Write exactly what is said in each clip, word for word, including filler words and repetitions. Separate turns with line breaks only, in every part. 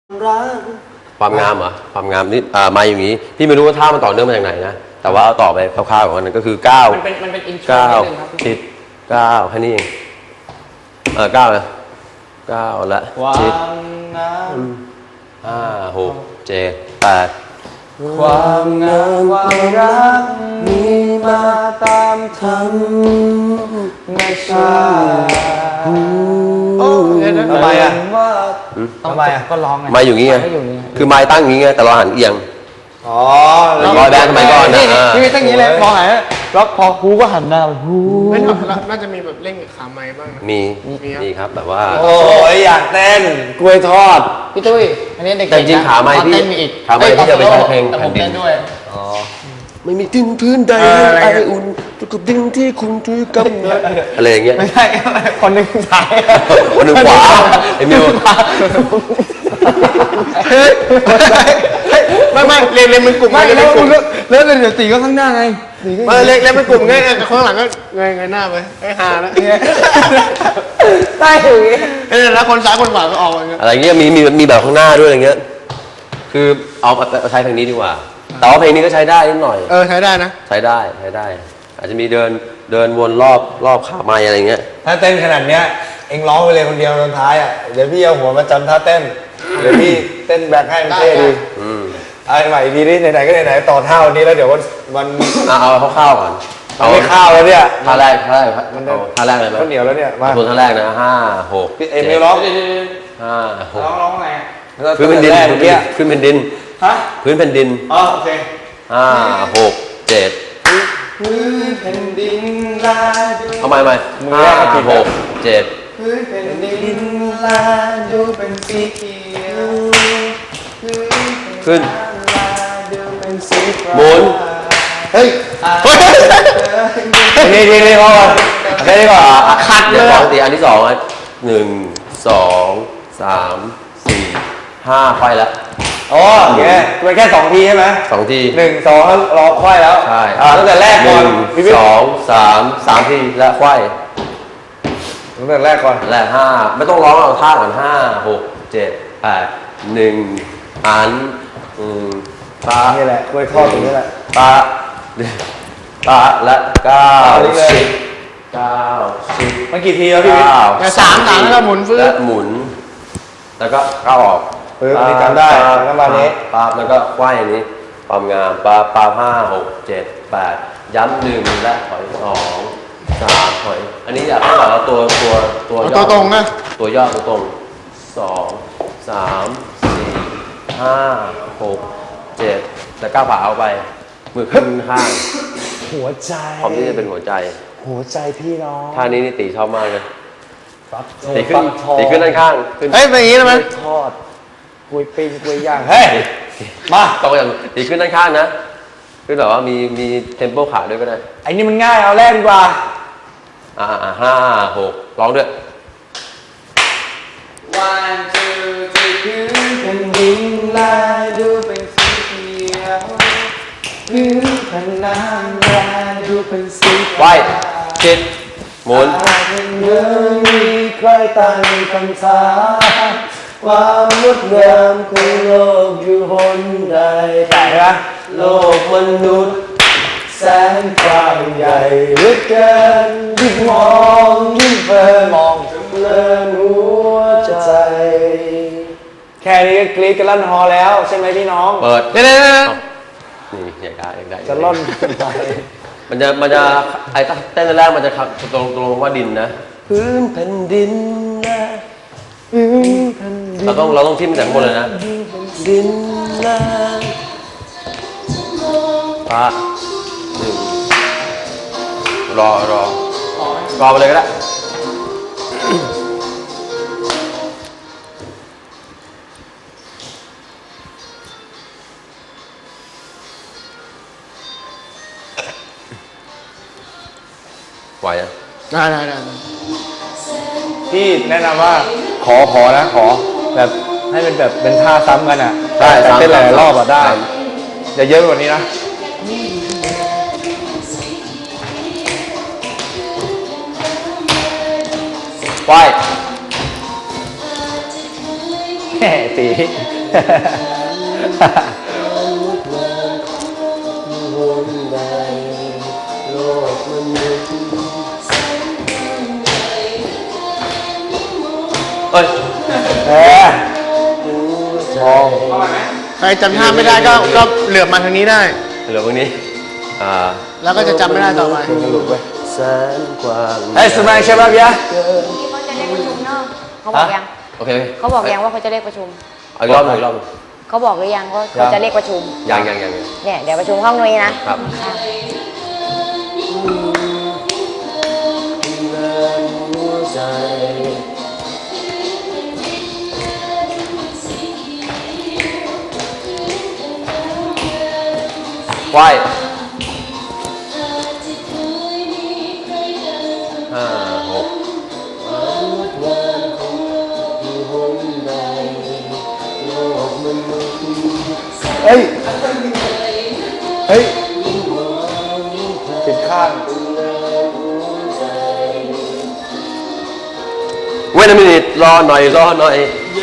ความงามเหรอความงามนี่อ่ามาอย่างนี้พี่ไม่รู้ว่าท่ามันต่อเนื่องมาจากไหนนะแต่ว่าเอาต่อไปคร่าวๆของมันก็คือเก้า
มันเป็นมันเป็นอินโทร
เก้า
นิดนึงครับ
ชิดเก้าแค่นี้เองเออเก้านะเก้าละชิดห้าหกเจ็ดแปด
ความงามความรักมีมาตามธรรมชาติทำไมอ่ะทำไมอ่ะ
ก็ร้องไง
มาอยู่งี้ไงคือไม้ตั้งอย่างงี้ไงแต่เราหันเอียง
อ๋อ
แล้วบอยแบนด์สมัยก่อนนะ
พี่ไม่ตั้งอย่างนี้เลยมองไหนแล้วพอฮูก็หันหน้าไปฮู
ไม่น่าจะมีแบบเล่นกับขาไม้บ้างนะ
มีมีครับแบบว่า
โอ้ยอยากเต้นกล้วยทอด
พี่ตุ้ยอันนี้เด็กๆ
แต่จริงขาไม้พี่
เต้นมีอีก
ขาไม้พี่จะไปใช้เพลง
แต่ผม
แผ่นดิน
เต้นด้วย
อ๋อ
ไม่มีดินพื้นใดไออุ่นทุกดินที่คุณถือกำเนิดอะไรอย่างเงี้ย
ไม่ใช่คนหนึ่งซ้าย
คนหนึ่งขวาไอ้มิว
ไม่ไม่เรียนเรียนเป็นกลุ่ม
ไม่
เรียน
แล้
เป็
วน
กลุ่ม
แล้วเดี๋ยวตีก็ข้างหน้าไง
ไม่เรียนเรียนเป็นกลุ่มไงข้างหลังก็เงยเงยหน้าไปไอ้ฮาแล้ว
ได้อย่างงี้
เออแล้วคนซ้ายคนขวาก็ออกอย่างเงี้ย
อะไรเงี้ยมีมีมีแบบข้างหน้าด้วยอะไรเงี้ยคือเอาเอาใช้เพลงนี้ดีกว่าแต่ว่าเพลงนี้ก็ใช้ได้นิดหน่อย
เออใช้ได้นะ
ใช้ได้ใช้ได้ อาจจะมีเดินเดินวนรอบรอบขาไม้อะไรเงี้ย
ถ้าเต้นขนาดเนี้ยเอ็งร้องไปเลยคนเดียวตอนท้ายอ่ะเดี๋ยวพี่เอาหัวมาจำท่าเต้นเดี๋ยวพี่เต้นแบ็คให้มันเท่ดี
อืม
เอาใหม่ดีนี่ไหนๆก็ไหนๆต่อท่าวันนี้แล้วเดี๋ยววันวัน
เอาเอาคร่าวๆก่อน
เอาไม่ข้าวแล้วเนี่ย
ท่าแรกท่าแรกเอาท่าแรกเลยไหม
ข้าวเหนียวแล้วเนี่ยมา
ส่วนท่าแรกนะห้าหก
พี่เอ็มไม่ร้อง
ห้าหก
ร้องร้องไง
พื้นแผ่นดิน
แรก
พื้น
เมื่อกี้
พื้นแผ่นดิน
ฮะ
พื้นแผ่นดิน
อ๋อโอเค
ห้าหกเจ็ด
พื้นแผ่นดินลาดู
เอาใหม่ใหม่ห้าหกเจ็ด
พื้นแผ่นดินลาดูเป็นสีเขียวพื้น
ขึ้น
ลาดูเป็นสีฟ้า
หมุน
เฮ้ยนี่นี่นี่พอก่อนแค่นี้ก่อน
ขัดเลยสองตีอันที่สองอ่ะหนึ่งสองสามสี่ห้าไฟแล้ว
อ๋อโอเคไปแค่สองทีใช่ไหม
สองที
หนึ่งสองแล้วรอควายแล้ว
ใช่
อ่าตั้งแต่แรก
ห
ก่อน
นึ่ง
พี่บิ๊ก
สองสามสามทีแล้วไขว้
ตั้งแต่แรกก่อน
และห้าไม่ต้องร้องเอาท่าก่อนห้าหกเจ็ดแปดหนึ่งหันอืมปะ
นี่แหละกล้วยทอดตรงนี้แหละ
ปะปะและเก้า
เอาดิเลย
สิบเก้าสิบ
มันกี่ทีแล้วพี่บิ๊ก
เก้า
สามหลังแล้วก็หมุนฟื้น
และหมุน แล้วก็เข้าออก
ปึ๊บอันนี้จำได้แล้วก็มานี้
ปั๊บแล้วก็ไหว้อันนี้ความงามปั๊บปั๊บห้าหกเจ็ดแปดย้ำหนึ่งและถอยสองสามถอยอันนี้อยากให้แบบว่าตัวตัวตัว
เอา
ย่อ
ตัวตรงนะ
ตัวย่อตัวตรงสองสามสี่ห้าหกเจ็ดแล้วก้าวขาเอาไปมือขึ้นข้าง
หัวใจ
พร้อมที่จะเป็นหัวใจ
หัวใจพี่น้อง
ท่านี้นี่ตีชอบมากเลย
ฟัก
ตีขึ้น
ฟักทอง
ตีขึ้นด้านข้างขึ้น
เฮ้ยเป็นอย่างนี้ได้ไหม
กล้วยทอดกล้วยปิ้งกล้วยย่างเฮ้ยมา
ต้องอย่างตีขึ้นด้านข้างนะขึ้นแบบว่ามีมีเทมโปขาด้วยก็ได้
ไอ้นี่มันง่ายเอาแรกดีกว่า
อ่าห้าหกร้องด้วย
วันจูที่พื้นแผ่นดินลาดูเป็นสีเขียวพื้นแผ่นน้ำลาดูเป็นสี
ไหว้ชิดหมุน
เป็นเมื่อมีใครตั้งคำถามความงดงามของโลกอยู่หนใดแต่ละโลกมนุษย์แสนกว้างใหญ่เหลือเกินยิ่งมองยิ่งเพลินมองจนเพลินหัวใจ แค่นี้ก็กรี๊ดกันลั่นฮอแล้วใช่ไหมพี่น้อง
เปิด
เดี๋ยวเดี๋ยวเดี๋ยว
นี่อยากได้อยากได้
จะล่อนไป
มันจะมันจะไอ้เต้นแรกมันจะขับตรงตรงว่าดินนะพื้นแผ่นดินนะเราต้องเราต้องทิ่มจากข้างบนเลยนะดินนะปะหนึ่งรอรอรอไปเลยก็ได้ไหวอ่ะ
ได้ได้ได้
พี่แนะนำว่าขอขอนะขอแบบให้เป็นแบบเป็นท่าซ้ำกันอ่ะ
ได้
แต่เต้นหลายๆรอบอ่ะได้
ซ้
อย่าเยอะกว่านี้นะ
ไหว
เตี
เอ้ย
เออมอง
ใครจำท่าไม่ได้ก็ก็เหลือบมาทางนี้ได้
เหลือพวกนี้อ่า
แล้วก็จะจำไม่ได้ต่อไป
แสนกว้าง
เฮ้ยสมัยใช่ป่ะพี่อะ
ที่เขาจะเรียกประชุมเนาะเขาบอกยัง
โอเค
เขาบอกยังว่าเขาจะเรียกประชุม
เอาอีกรอบหนึ่งอีกรอบหนึ่ง
เขาบอกหรือยังว่าเขาจะเรียกประชุม
ยังยังยังยัง
เนี่ยเดี๋ยวประชุมห้องนี้นะครับ
ไหวห้าหก
เฮ้ย เฮ้ยปิดข้าง
เว้นมินิทรอหน่อยรอหน่อย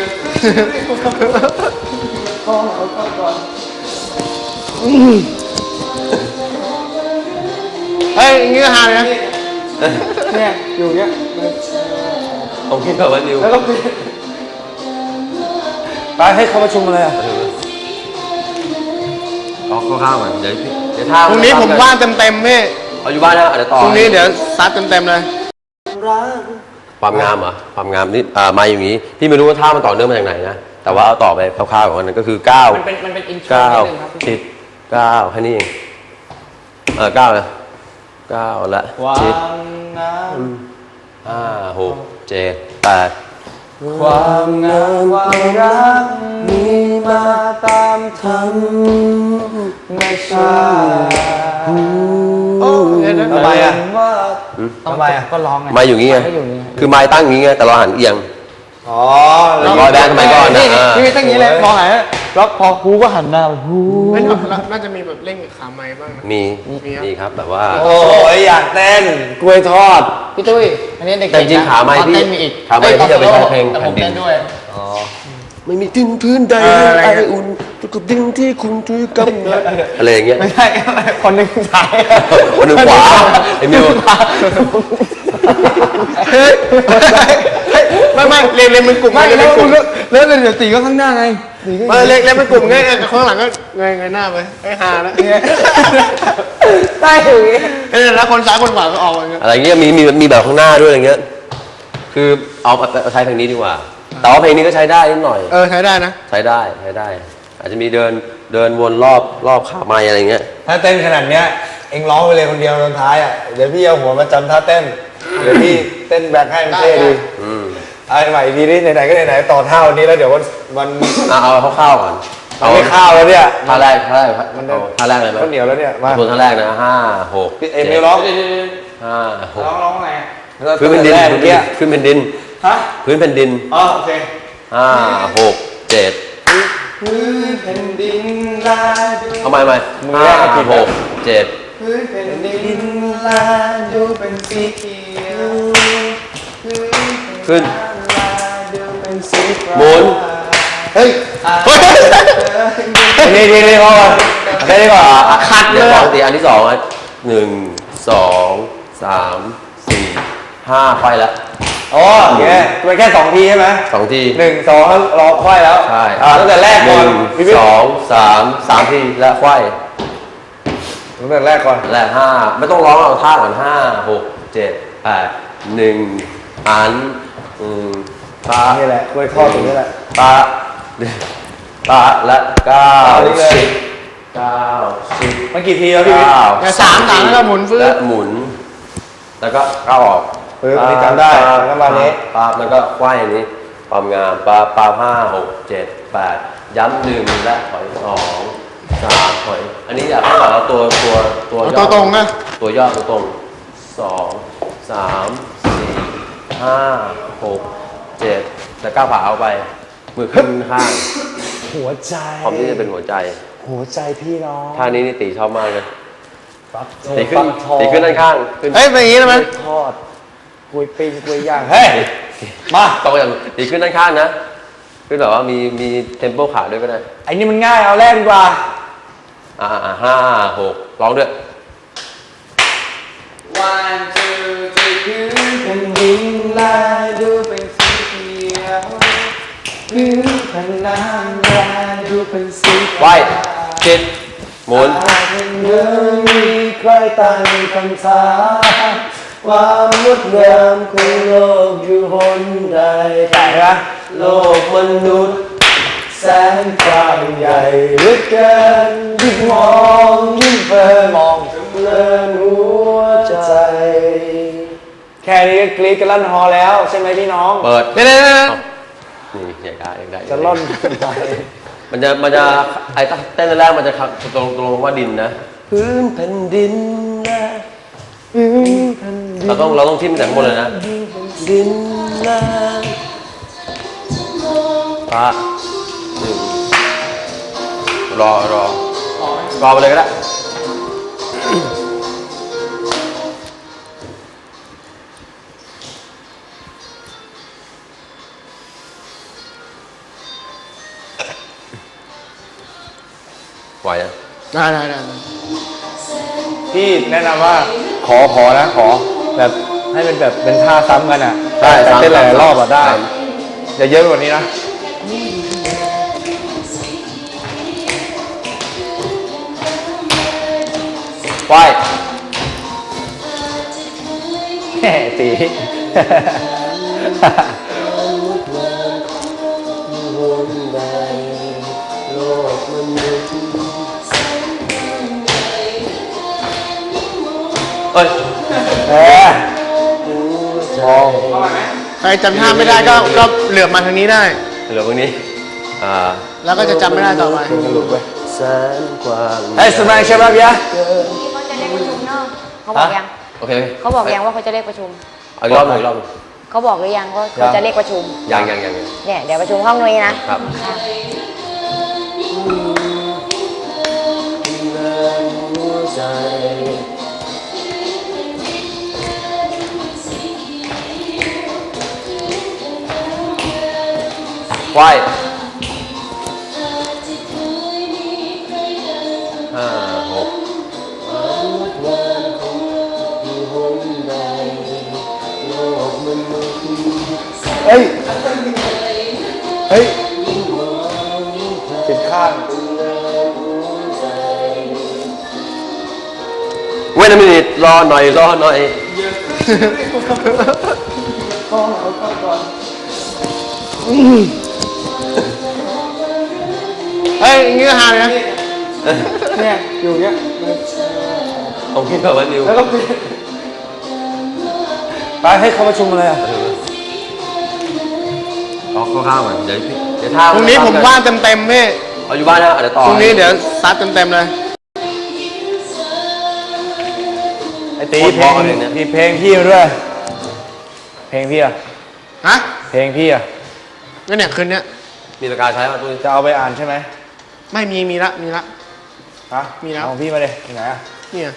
เฮ้ยอย่างงี้ก็ฮาเลยนะ
เนี่ยอยู่เนี้ย
ผมคิดแบบว่านิว
แล้วก็ปิดไปให้เขาประชุมอะไรอ่ะ
เอาข้าวๆก่อนเดี๋ยวพี่เดี๋ยวท่า
พรุ่งนี้ผมว่างเต็มๆพี่
เอาอยู่บ้านนะเดี๋ยวต่อ
พรุ่งนี้เดี๋ยวซัดเต็มๆเลย
ความงามเหรอความงามนี่อ่ามาอย่างนี้พี่ไม่รู้ว่าท่ามันต่อเนื่องมาจากไหนนะแต่ว่าเอาต่อไปคร่าวๆก่อนนั้นก็คือเก้า
มันเป็นมันเป็นอินโทร
เก้า
นิดนึงครับ
ชิดเก้าแค่นี้เองเออเก้านะเก้าละ
ควา
ชิด
มงาม
ห้าหกเจ็ดแปด
ความงามความรักมีมาตามธรรมชาติ
โอ้เดี๋ยวนะ
ทำไมอ่ะทำไมอ่ะ
ก็ร้องไง
ไม้อยู่งี้ไง
ก็อยู่นี่
คือไม้ตั้งอย่างงี้ไงแต่เราหันเอียง
อ๋อ
ร้อยแบนด์สมัยก่อนนะ
นี่
อ่า
นี่ตั้งอย่างนี้เลยมองไหนแล้วพอฮูก็หันหน้าไปฮู
ไม่น่าน่าจะมีแบบเร่งขาไม้บ้างนะ
มี
มีครับ
มีครับแบบว่า
โอ้ยอยากเต้นกล้วยทอด
พี่ตุ้ยอันนี้เด็กๆ
แต่จริงๆขาไม้
ตอน
พี่
เต้นมีอีก
ขาไม้พี่จะไปใช้เพลง
แต่
แผ่
ผ
น
ม
ดิน
เต้นด้วย
ไม่มีดินพื้นใด
เอออะไร
ไอ
เงี้ย
อุ่นทุกดินที่คุณถือกำเนิดอะไรอย่างเงี้ย
ไม่ใช่คนหนึ่งซ้าย
คนหนึ่งขวาไอ้มิว
เฮ้ยไม่ไม่เรียนเรียนเป็นกลุ่ม
ไม่
เรียน
แล้
เป็
วน
กลุ่ม
แล้วเดี๋ยวตีก็ข้างหน้าไงตีก็
เออเรียนเรียนเป็นกลุ่มไงเออข้างหลังก็เงยเงยหน้าไปไอ้ฮาแล้ว
ได้อยู่อย่างงี้
เออแล้วคนซ้ายคนขวาก็ออกอย่างเงี้ย
อะไรเงี้ยมีมีมีแบบข้างหน้าด้วยอะไรเงี้ยคือเอาเอาใช้เพลงนี้ดีกว่า แต่ว่าเพลงนี้ก็ใช้ได้นิดหน่อย
เออใช้ได้นะ
ใช้ได้ใช้ได้ อาจจะมีเดินเดินวนรอบรอบขาไม้อะไรเงี้ย
ถ้าเต้นขนาดเนี้ยเอ็งร้องไปเลยคนเดียวตอนท้ายอ่ะเดี๋ยวพี่เอาหัวมาจำท่าเต้นเดี๋ยวพี่เต้นแบ็คให้มันเท่ดี
อืม
เอาใหม่ดีดิไหนๆก็ไหนๆต่อท่าวันนี้แล้วเดี๋ยววันวัน
อ่ะเอาคร่าวๆก่อน
เอาไม่ข้าวแล้วเนี่ย
ท่าแรกท่าแรก
มัน
เอาท่าแรกเลยไหม
ข้าวเหนียวแล้วเนี่ยมา
ทวนท่าแรกนะห้าหก
พี่เอ็ม
จ็ด
ไม่ร้อง
ห้าหก
ร้องร้องอะไร
พื้นแผ่นดิน
แรก
พื้
เมื่อกี้
นแผ่นดิน
ฮะ
พื้นแผ่นดิน
อ๋อโอเค
ห้าหกเจ็ด
พื้นแผ่นดินลาดู
เอาใหม่ใหม่
มือ
ห้า
แรกก็ผิด
หกเจ็ด
พื้นแผ่นดินลาดูเป็นสีเขียวพื้น
ขึ้น
ลาดูเป็นสีฟ้า
หมุน
เฮ้ยดีดีดีพอก่อนแค่นี้ก่อน
ขัดเลยปกติอันที่สองอ่ะหนึ่งสองสามสี่ห้าไฟละ
อ๋อโอเคมันแค่สองทีใช่ไหม
สองที
หนึ่งสองแล้วรอควายแล้ว
ใช่
อ่าตั้งแต่แรกก่อน
หนึ่ง
พี่วิท
ส
ย์
องสามสามทีและไขว้
ตั้งแต่แรกก่อน
และห้าไม่ต้องร้องเอาท่าก่อนห้าหกเจ็ดแปดหนึ่งอันอืมปะ
นี่แหละกล้วยทอดตรงนี้แหละ
ปะปะและเก้า
เอานี่เลย
สิบเก้าสิบ
มันกี่ทีแล้วพี่วิทย์
เก้า
เนี่ยสามสามแล้วก็หมุนฟื้น
และหมุน แล้วก็ก้าวออก
เอออันนี้จำได้ประมาณนี้
ปาบแล้วก็ไขว้อันนี้ความงามปาปาห้าหกเจ็ดแปดย้ำหนึ่งและถอยสองสามถอย อันนี้อยากให้แบบเราตัวตัวตัว
เอา
ย่
ตัวตรงนะ
ตัวย่อตัวตรงสองสามสี่ห้าหกเจ็ดแล้วก้าวขาเอาไปมือขึ้นข้าง
หัวใจ
พร้อมที่จะเป็นหัวใจ
หัวใจพี่น้อง
ท่านี้นี่ตีชอบมากเลย
ฟัก
ตีขึ้น
ฟักทอง
ตีขึ้นด้านข้างขึ้น
เฮ้ยเป็นอย่างนี้ได้ไหม
กล้วยทอดกล้วยปิ้งกล้วยย่างเฮ้ยมา
ต้องอย่างตีขึ้นด้านข้างนะคือแบบว่ามีมีเทมโปขาด้วยก็ได้
ไอ้นี่มันง่ายเอาแรกดีกว่า
อ่าอ่าห้าหกร้องด้วย
วันจูจีพื้นแผ่นดินลายดูเป็นสีเขียวพื้นแผ่นน้ำลายดูเป็นสี
ไหวจิตหมุน
เมื่อมีใครตั้งคำถามความงดงามของโลกอยู่หนใดแต่ละโลกมนุษย์แสนกว้างใหญ่เหลือเกินยิ่งมองยิ่งเพลินมองเพลินหัวใจ แค่นี้ก็กรี๊ดกันลั่นฮอแล้วใช่ไหมพี่น้อง
เปิด
เดี๋ยวเดี๋ยวเดี๋ยว
นี่อยากได้อยากได้
จะล่อนไป
มันจะมันจะไอ้เต้นแรกมันจะตรงตรงว่าดินนะพื้นแผ่นดินนะพื้นแผ่นดินเราต้องเราต้องทิ่มแต่ข้างบนเลยนะดินนะพระหนึ่งรอรอรอไปเลยก็ได้ไหวอ่ะ
ได้ได้ได้
พี่แนะนำว่าขอขอนะขอแบบให้เป็นแบบเป็นท่าซ้ำกันอ่ะ
ใช่
แต่เต้นหลายๆรอบอ่ะได้
ซ้
อย่าเยอะกว่านี้นะ
ไหว
แหม่ตี
เอ้ย
เออมอง
ใครจำท่าไม่ได้ก็ก็เหลือบมาทางนี้ได้
เหลือพวกนี้อ่า
แล้วก็จะจำไม่ได้ต่อไป
แสนกว้าง
เฮ้ยสมัยใช่ป่ะพี่อะ
ที่เขาจะเรียกประชุมเนาะเขาบอกยัง
โอเค
เขาบอกยังว่าเขาจะเรียกประชุม
เอาอีกรอบหนึ่งอีกรอบหนึ่ง
เขาบอกหรือยังว่าเขาจะเรียกประชุม
ยังยังยังยัง
เนี่ยเดี๋ยวประชุมห้องนี้นะครับ ค่ะ
ไหวห้าหก
เฮ้ย เฮ้ยผิดข้าง
เว้นมินิทรอหน่อยรอหน่อย
เฮ้ยอย่างงี้ก็ฮาเลยนะ
เนี่ยอยู่เนี้ย
ผมคิดแบบว่านิว
แล้วก็เปลี่ยนไปให้เขาประชุมอะไรอ่ะ
ออกข้างๆก่อนเดี๋ยวพี่เดี๋ยวท่า
พรุ่งนี้ผมว่างเต็มๆพี่
เอาอยู่บ้านนะเดี๋ยวต่อ
พรุ่งนี้เดี๋ยวซัดเต็มๆเลย
ไอ้ตีเพลงพี่เพลงพี่มาด้วย เพลงพี่อะ
ฮะ
เพลงพี่อะ
ก็เนี่ยคืนเนี้ย
มีประกาศใช้ป่ะตุ้ย
จะเอาไปอ่านใช่ไหม
ไม่มีมีละมีละ
ฮะ
มีแล้ว
เอาของพี่มาเลยที่ไหนอะ
เนี่ย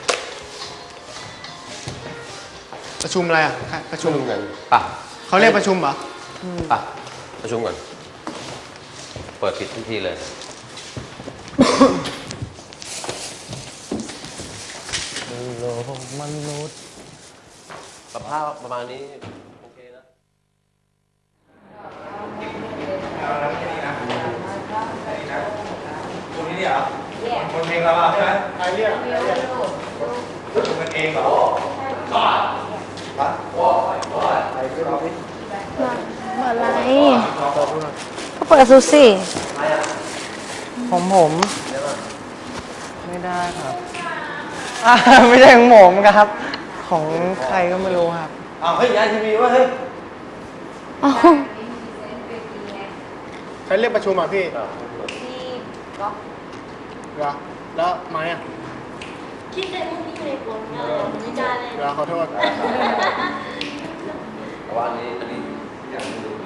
ประชุมอะไรอ่ะใครประชุ
ชุ่
ม
มกันป่ะ
เขาเรียกประชุมเหรอ
ป่ะประชุมก่อนเปิดปิดทุกทีเลยโลกมนุษย์สภาพประมาณนี้โอเคนะ
ตรงนี้เหรอคนเพลงเราใช่ไหม
ใครเรียก
มันเองเหรอ
อะไรก็เปิดซูซี่
ของผมไม่ได้ครับอ่าไม่ใช่ของผมครับ ของใครก็ไม่รู้ครับอ้าวเฮ้ยยายทีวีวะเฮ้ย
อ๋อ
ใครเรียกประชุมอ่ะพี่เหรอแล้วไม้อ่ะ
คิดในมุมนี้เลยผมเลยไม่ได้เลย
เดี๋ยวขอโทษ
แต่ว่าอันนี้อันนี้อยากดู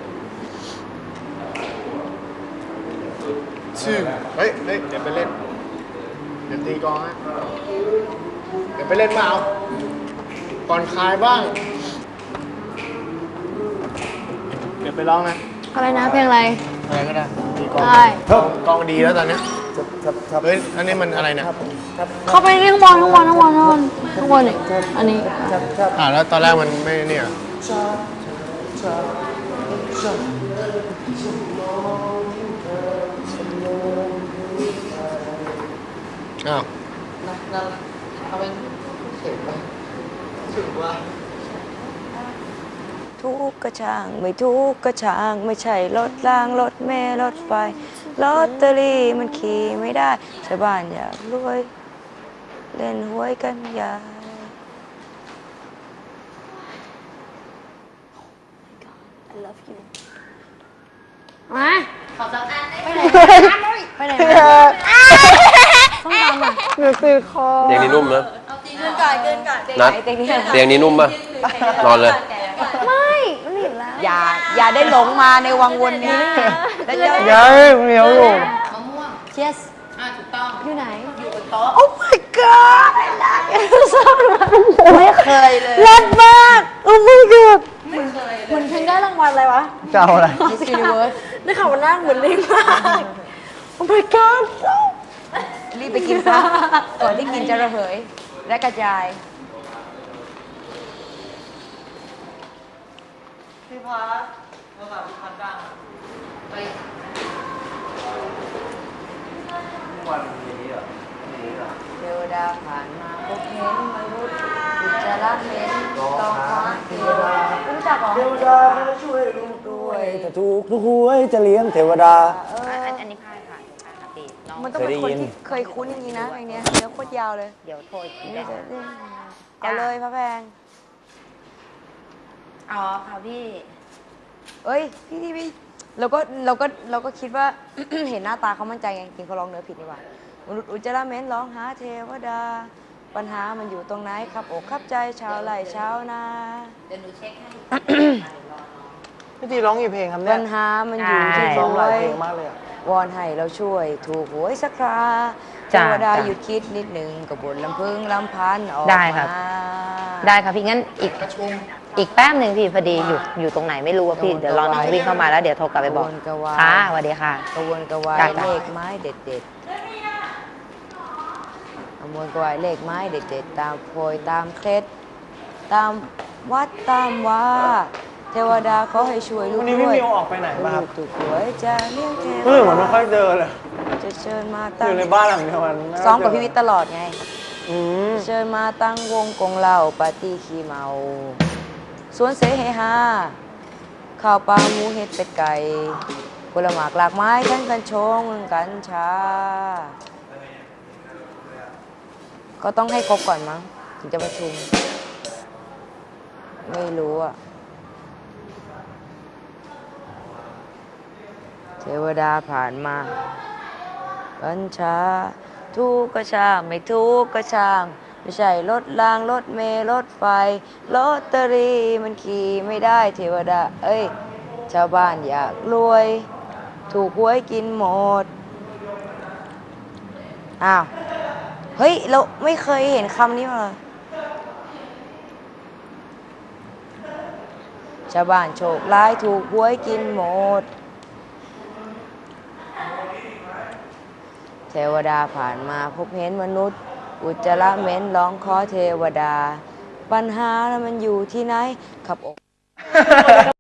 ชื่อเฮ้ยเฮ้ยเดี๋ยวไปเล่นเดี๋ยวตีกลองฮะเดี๋ยวไปเล่นมาเอาก่อนคลายบ้าง เดี๋ยวไปร้องนะ
อะไรนะเพลงอะไร
เอะไรก็ได้ตีกลอง
ใช่
กลองกลองดีแล้วตอนเนี้ยเฮ้ยอันนี้มันอะไรเนี่ย
เข้าไปนี่ข้างบนข้างบนข้างบนข้างบนข้างบนนี่อันนี้
อ่าแล้วตอนแรกมันไม่เนี่ยอ้าว
ทุกข์ก็ช่างไม่ทุกข์ก็ช่างไม่ใช่รถรางรถเมล์รถไฟลอตเตอรี่มันขี่ไม่ได้ชาวบ้านอยากรวยเล่นหวยกันใหญ่
มา
ขอสักอันได้ไหม
ไปไหนมาต้องทำอ่ะหนูตื่นคอ
เตียงนี้นุ่มนะ
เอาตีเกินก่อนเกินก่อน
นัดเตียงนี้นุ่มปะนอนเลย
ไม่มันหนีบแล้ว
อย่าอย่าได้หลงมาในวังวนนี้แล้วจะ
ยังเหนียวอยู่
มะม่วง
yes
อ่าถูกต้อง
อยู่ไหน
อยู่บนโต๊ะ
oh my god ไม่เคยเลย
เล่นมากโอ้ my god เหมือนเพลงได้รางวัลอะไรวะ
จะเอาอะไร
Miss Universe
ได้ข่าวว่านั่งเหมือนลิงมากโอ้ my god
รีบไปกินซะก่อนที่กินจะระเหยและกระจาย เทวดาผ่านมาพบเห็นมนุษย์อุจจาระเหม็นต้องคว้าเทวดารู้จักเหรอ
เทวดามาช่วยลูกด้วยถ้าถูกทุกหวยจะเลี้ยงเทวดา
อันนี้พายผ่านพายปกติน้อง
มันต้องเป็นคน
เคยได้ยิน
ที่เคยคุ้นอย่างนี้นะไอเนี้ยเนื้อโคตรยาวเลย
เดี๋ยวโทรอีกที
นี่
ได้
จะเอาเลยพระแพง
อ๋อค่ะพี่
เอ้ยพี่ที่พี่เราก็เราก็เราก็คิดว่า เห็นหน้าตาเขามั่นใจไงกินเขาร้องเนื้อผิดนี่หว่ามนุษย์อุจจาระเหม็นร้องหาเทวดา ปัญหามันอยู่ตรงไหนครับอกครับใจชาวไร่ชาวนา
เดี๋ยวหนูเช็คให้
พี่ตีร้องกี่เพลงครับเนี่
ปั
ย
ญหามันอยู่ที่
ร้อง
ร
หลา
วย ย
เพลงมากเลยอะ
วอนให้เราช่วยถูกหวยสักคราเท
จ้ะ
วดา
จ้ะ
หยุดคิดนิดหนึ่งกับบนลำพึงลำพันออก
ได้ครับ
มา
ได้ค่ะพี่งั้นอีกอีกแป๊บหนึ่งพี่พอดีอยู่อยู่ตรงไหนไม่รู้อะพี่เดี๋ยวรอน้องวิ่งเข้ามาแล้วเดี๋ยวโทรกลับไปบอก
กระวนกระวาย
ค่ะสวัสดีค่ะ
กระวนกระวาย
ได้จ้ะ
เลขไม้เด็ดเด็ดกระวนกระวายเลขไม้เด็ดเด็ดตามโพยตามเคล็ดตามวัดตามว่าเทวดาเขาให้ช่วยลูก
วันนี้พี่
ด้วย
มิวออกไปไหนมาครับ
ลูกถูกหวยจะเลี้ยงเทว
เฮ้ยเหมือน
ดา
ไม่ค่อยเจอเลย
จะเชิญมา
อ
ตั้ง
ยู่ในบ้านหลังเดียวกันไม่ค่ย
ซ้อมกับ
เจ
พี่วิทย์ตลอดไง
อืม
เชิญมาตั้งวงกงเหล้าปาร์ตี้ขี้เมา สวนเสเฮฮาข้าวปลาหมูเห็ดเป็ดไก่ผลหมากหลากไม้ทั้งกัญชงกัญชา ก็ต้องให้ครบก่อนมั้ง ถึงจะประชุม ไม่รู้อะเทวดาผ่านมากัญชา ทุกข์ก็ช่างไม่ทุกข์ก็ช่าง ไม่ใช่รถรางรถเมล์รถไฟลอตเตอรี่มันขี่ไม่ได้เทวดา เอ้ย ชาวบ้านอยากรวย ถูกหวยกินหมด อ้าว เฮ้ย เราไม่เคยเห็นคำนี้มาเลยชาวบ้านโชคร้ายถูกหวยกินหมด เทวดาผ่านมาพบเห็นมนุษย์ อุจจาระเหม็นร้องขอเทวดา ปัญหาแล้วมันอยู่ที่ไหนขับอก